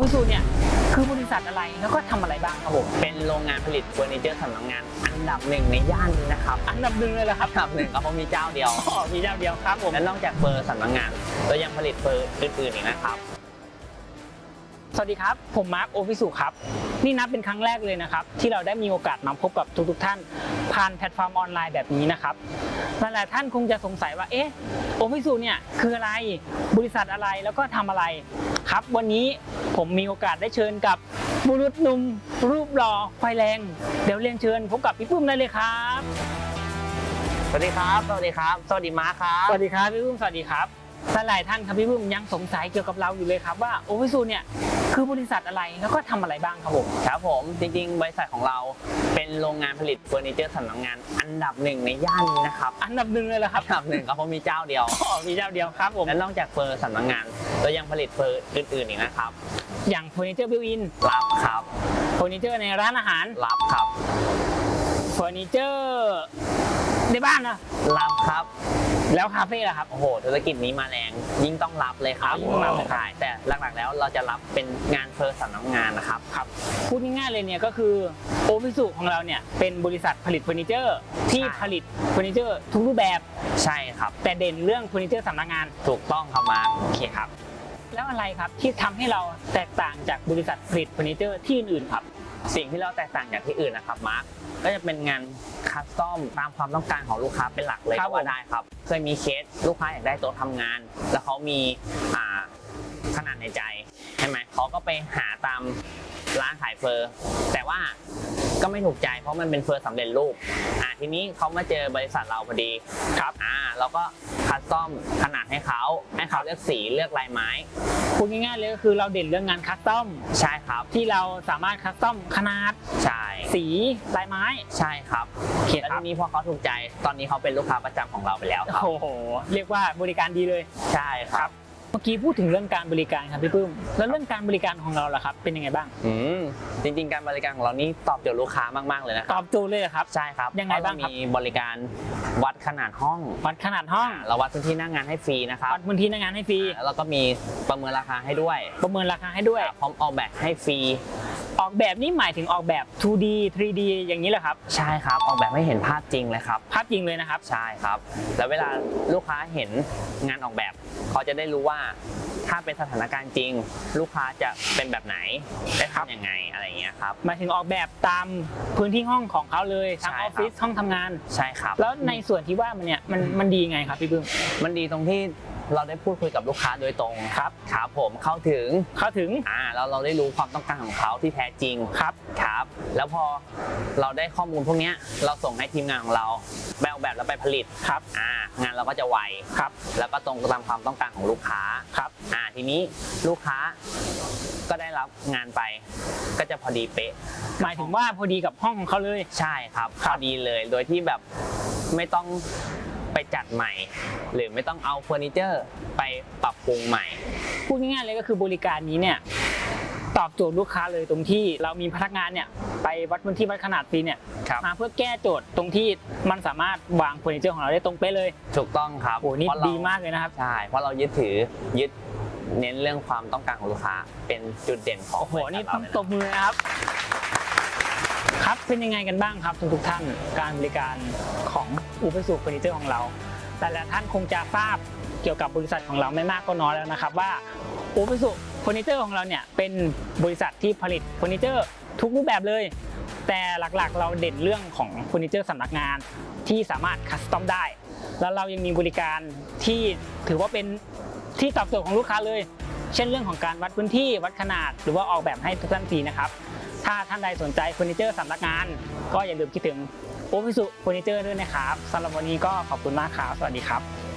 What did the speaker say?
สูเนี่ยคือบริษัทอะไรแล้วก็ทำอะไรบ้างครับผมเป็นโรงงานผลิตเฟอร์นิเจอร์สำนักงานอันดับหนึ่งในย่านนี้นะครับอันดับหนึ่งเลยเหรอครับอันดับหนึ่งก็เพราะมีเจ้าเดียวมีเจ้าเดียวครับผมและนอกจากเฟอร์สำนักงานเรายังผลิตเฟอร์อื่นๆอีกนะครับสวัสดีครับผมมาร์คโอฟิสุครับนี่นับเป็นครั้งแรกเลยนะครับที่เราได้มีโอกาสมาพบกับทุกท่านผ่านแพลตฟอร์มออนไลน์แบบนี้นะครับหลายๆท่านคงจะสงสัยว่าโอฟิสุเนี่ยคืออะไรบริษัทอะไรแล้วก็ทำอะไรครับวันนี้ผมมีโอกาสได้เชิญกับบุรุษหนุ่มรูปหล่อไฟแรงเดี๋ยวเรียนเชิญพบกับพี่ปุ้มได้เลยครับสวัสดีครับสวัสดีครับสวัสดีมาร์คครับสวัสดีครับพี่ปุ้มสวัสดีครับหลายท่านครับพี่ปุ้มยังสงสัยเกี่ยวกับเราอยู่เลยครับว่าโอฟิสุเนี่ยคือบริษัทอะไรแล้วก็ทำอะไรบ้างครับผมครับผมจริงๆบริษัทของเราเป็นโรงงานผลิตเฟอร์นิเจอร์สำนักงานอันดับหนึ่งในย่านนี้นะครับอันดับหนึ่งเลยเหรอครับอันดับหนึ่งก็เพราะมีเจ้าเดียวมีเจ้าเดียวครับผมและนอกจากเฟอร์สำนักงานเรายังผลิตเฟอร์อื่นๆอีกนะครับอย่างเฟอร์นิเจอร์บิวอินรับครับเฟอร์นิเจอร์ในร้านอาหารรับครับเฟอร์นิเจอร์ในบ้านนะรับครับแล้วคาเฟ่ล่ะครับโอ้โหธุรกิจนี้มาแรงยิ่งต้องรับเลยครับใช่แต่หลักๆแล้วเราจะรับเป็นงานเฟอร์สำนักงานนะครับพูดง่ายๆเลยเนี่ยก็คือโอฟิสุของเราเนี่ยเป็นบริษัทผลิตเฟอร์นิเจอร์ที่ผลิตเฟอร์นิเจอร์ทุกรูปแบบใช่ครับแต่เด่นเรื่องเฟอร์นิเจอร์สำนักงานถูกต้องครับมาโอเคครับแล้วอะไรครับที่ทำให้เราแตกต่างจากบริษัทผลิตเฟอร์นิเจอร์ที่อื่นๆครับสิ่งที่เราแตกต่างจากที่อื่นนะครับมาร์คก็จะเป็นงานคัสตอมตามความต้องการของลูกค้าเป็นหลักเลยก็ว่าได้ครับเคยมีเคสลูกค้าอยากได้โต๊ะทำงานแล้วเขามีขนาดในใจใช่ไหมเขาก็ไปหาตามร้านขายเฟอร์แต่ว่าก็ไม่ถูกใจเพราะมันเป็นเฟอร์สำเร็จรูปทีนี้เขามาเจอบริษัทเราพอดีครับเราก็คัสตอมขนาดให้เขาเลือกสีเลือกลายไม้พูดง่ายๆเลยก็คือเราเด่นเรื่องงานคัสตอมใช่ครับที่เราสามารถคัสตอมขนาดใช่สีลายไม้ใช่ครับแล้วทีนี้พอเขาถูกใจตอนนี้เขาเป็นลูกค้าประจำของเราไปแล้วครับโอ้โหเรียกว่าบริการดีเลยใช่ครับเมื่อกี้พูดถึงเรื่องการบริการครับพี่ปื้มแล้วเรื่องการบริการของเราล่ะครับเป็นยังไงบ้างจริงๆการบริการของเรานี่ตอบโจทย์ลูกค้ามากๆเลยนะครับตอบโจทย์เลยครับใช่ครับยังไงบ้างครับมีบริการวัดขนาดห้องเราวัดพื้นที่หน้างานให้ฟรีนะครับวัดพื้นที่หน้างานให้ฟรีแล้วก็มีประเมินราคาให้ด้วยพร้อมออกแบบให้ฟรีออกแบบนี้หมายถึงออกแบบ 2D 3D อย่างนี้เหรอครับใช่ครับออกแบบให้เห็นภาพจริงเลยครับภาพจริงเลยนะครับใช่ครับแล้วเวลาลูกค้าเห็นงานออกแบบเขาจะได้รู้ว่าถ้าเป็นสถานการณ์จริงลูกค้าจะเป็นแบบไหนได้ทำยังไงอะไรอย่างเงี้ยครับหมายถึงออกแบบตามพื้นที่ห้องของเขาเลยทั้งออฟฟิศห้องทำงานใช่ครับแล้วในส่วนที่ว่ามันดีไงครับพี่บึ้มมันดีตรงที่เราได้พูดคุยกับลูกค้าโดยตรงครับผมเข้าถึงเราได้รู้ความต้องการของเขาที่แท้จริงครับแล้วพอเราได้ข้อมูลพวกนี้เราส่งให้ทีมงานของเราไปออกแบบแล้วไปผลิตงานเราก็จะไวแล้วก็ตรงตามความต้องการของลูกค้าทีนี้ลูกค้าก็ได้รับงานไปก็จะพอดีเป๊ะหมายถึงว่าพอดีกับห้องของเขาเลยใช่ครับพอดีเลยโดยที่แบบไม่ต้องไปจัดใหม่หรือไม่ต้องเอาเฟอร์นิเจอร์ไปปรับปรุงใหม่พูดง่ายๆเลยก็คือบริการนี้เนี่ยตอบโจทย์ลูกค้าเลยตรงที่เรามีพนักงานเนี่ยไปวัดพื้นที่วัดขนาดฟรีเนี่ยมาเพื่อแก้โจทย์ตรงที่มันสามารถวางเฟอร์นิเจอร์ของเราได้ตรงเป๊ะเลยถูกต้องครับโอ้นี่ดีมากเลยนะครับใช่เพราะเรายึดเน้นเรื่องความต้องการของลูกค้าเป็นจุดเด่นของโอ้โหนี่ต้องตบมือนะครับเป็นยังไงกันบ้างครับทุกท่านการบริการของโอฟิสุเฟอร์นิเจอร์ของเราแต่ละท่านคงจะทราบเกี่ยวกับบริษัทของเราไม่มากก็น้อยแล้วนะครับว่าโอฟิสุเฟอร์นิเจอร์ของเราเนี่ยเป็นบริษัทที่ผลิตเฟอร์นิเจอร์ทุกรูปแบบเลยแต่หลักๆเราเด่นเรื่องของเฟอร์นิเจอร์สำนักงานที่สามารถคัสตอมได้แล้วเรายังมีบริการที่ถือว่าเป็นที่ตอบโจทย์ของลูกค้าเลยเช่นเรื่องของการวัดพื้นที่วัดขนาดหรือว่าออกแบบให้ทุกท่านฟรีนะครับถ้าท่านใดสนใจเฟอร์นิเจอร์สำนักงานก็อย่าลืมคิดถึงโอฟิสุเฟอร์นิเจอร์ด้วยนะครับสำหรับวันนี้ก็ขอบคุณมากครับสวัสดีครับ